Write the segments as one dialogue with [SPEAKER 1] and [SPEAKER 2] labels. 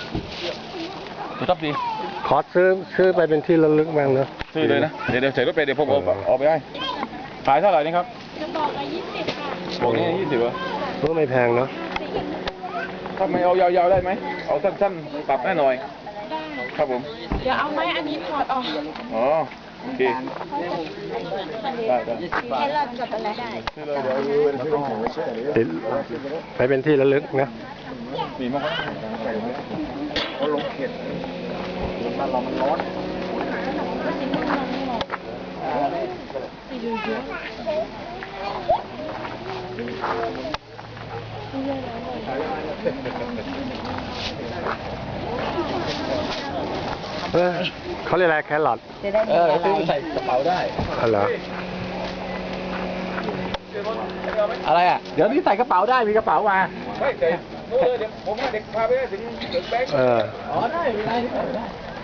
[SPEAKER 1] ชอบดี
[SPEAKER 2] ขอซื้อไปเป็นที่ระลึกบ้างเนอะ
[SPEAKER 1] ซื้อเลยนะเดี๋ยวใส่รถไปเดี๋ยวผมเอาไปให้ขายเท่าไหร่นี่ครับ
[SPEAKER 3] จะบอกละ20ค่ะ
[SPEAKER 1] บอกนี่20เหรอ
[SPEAKER 2] ก็ไม่แพงเนาะ
[SPEAKER 1] ถ้าไม่เอายาวๆได้ไหมเอาสั้นๆปรับแน่หน่อยครับผม
[SPEAKER 3] เดี๋ยวเอาไม้อันนี้ถอดออก
[SPEAKER 1] อ๋อโอเคได้
[SPEAKER 3] ให้เราจดอะไรได้
[SPEAKER 2] ไปเป็นที่ระลึกนะ
[SPEAKER 1] ดีมากครับเขาลงเข็ดบ้านเรามันร้อน
[SPEAKER 2] เขาเรียกอะไรแครอท
[SPEAKER 1] ซื้อใส่กระเป๋าได้
[SPEAKER 2] อะไร
[SPEAKER 1] อะไรอ่ะเดี๋ยวนี้ใส่กระเป๋าได้มีกระเป๋ามาเฮ้ยเดี๋ยวผมให้เด็กพาไปถึงแบงค์อ๋อได้ไม่ได้ได้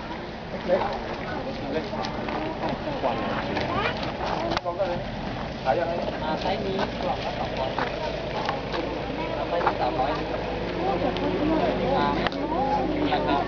[SPEAKER 1] ขายยังไง
[SPEAKER 4] ไซส์นี้กล่องละ200ไซส์นี้300นะครับ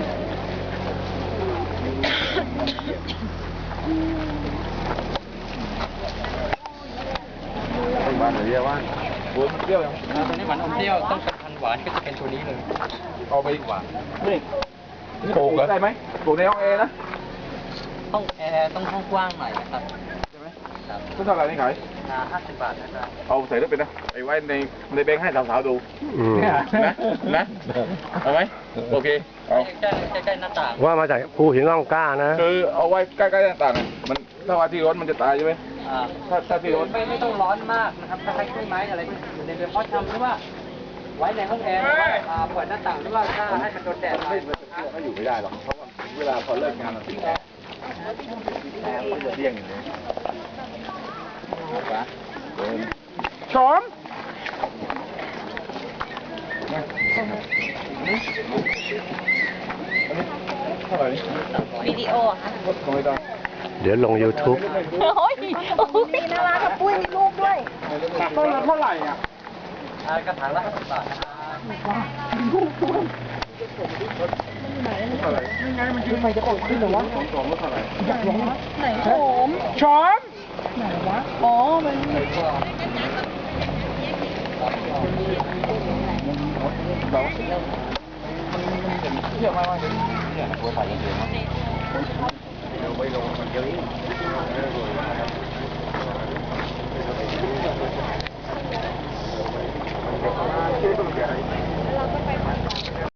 [SPEAKER 1] บ้านเรียกว่าเปรี้ยวยัง
[SPEAKER 4] ตัวนี้หวานอมเปรี้ยวต้องเป็นพันหวานก็จะเป็นตัวนี้เลย
[SPEAKER 1] เอาไปหวานนี่ปลูกได้ไหมปลูกในห้องแอร์นะ
[SPEAKER 4] ห้องแอร์ต้องห้องกว้างหน่อยนะครับ
[SPEAKER 1] ใช่ไหมครับเท่าไหร่นี่ขาย
[SPEAKER 4] 50 บาทนะครับ
[SPEAKER 1] เอาใส่รถไปนะไอ้ไว้ในแบงค์ให้สาวๆดูนะเอาไหมโอเคเอา
[SPEAKER 4] ใกล้หน้าต่าง
[SPEAKER 2] ว่ามาจากภูหินร่องกล้านะ
[SPEAKER 1] คือเอาไว้ใกล้ๆหน้าต่างมันถ้าว่าที่ร้อนมันจะตายใช่ไหมถ้าที่ร้อน
[SPEAKER 4] ไม่ต้องร้อนมากนะครับถ้าใช้กล้วยไม้อะไรอยู่ในเรือนเพาะชำหรือว่าไว้ในห้องแอร์เปิดหน้าต่างหรือว่าถ้าให้มันโดนแดด
[SPEAKER 1] ไม่อยู่ไม่ได้หรอกเพราะว่าเวลาพอเลิกงานมันติดแอร์มันจะเที่ยงอย่างนี้ชม
[SPEAKER 3] วิดีโอค่ะ
[SPEAKER 2] เดี๋ยวลง YouTube
[SPEAKER 3] โอ้ยมีน่ารักกับปุ้ยมีลูกด้วย
[SPEAKER 1] เท่าไหร่อ่ะ
[SPEAKER 4] กระถางละ50 บาทนะครับ
[SPEAKER 1] ยังไงมันคือไฟจะออกขึ้นหรอวะสองเท่าไหร่
[SPEAKER 3] ไหนโฉม
[SPEAKER 1] ชม
[SPEAKER 3] ไหนวะอ๋อมัน
[SPEAKER 1] เที่ยวมากเลยเนี่ยหัวใส่เยอะมากเดี๋ยวไปลงมันเยอะเราก็ไป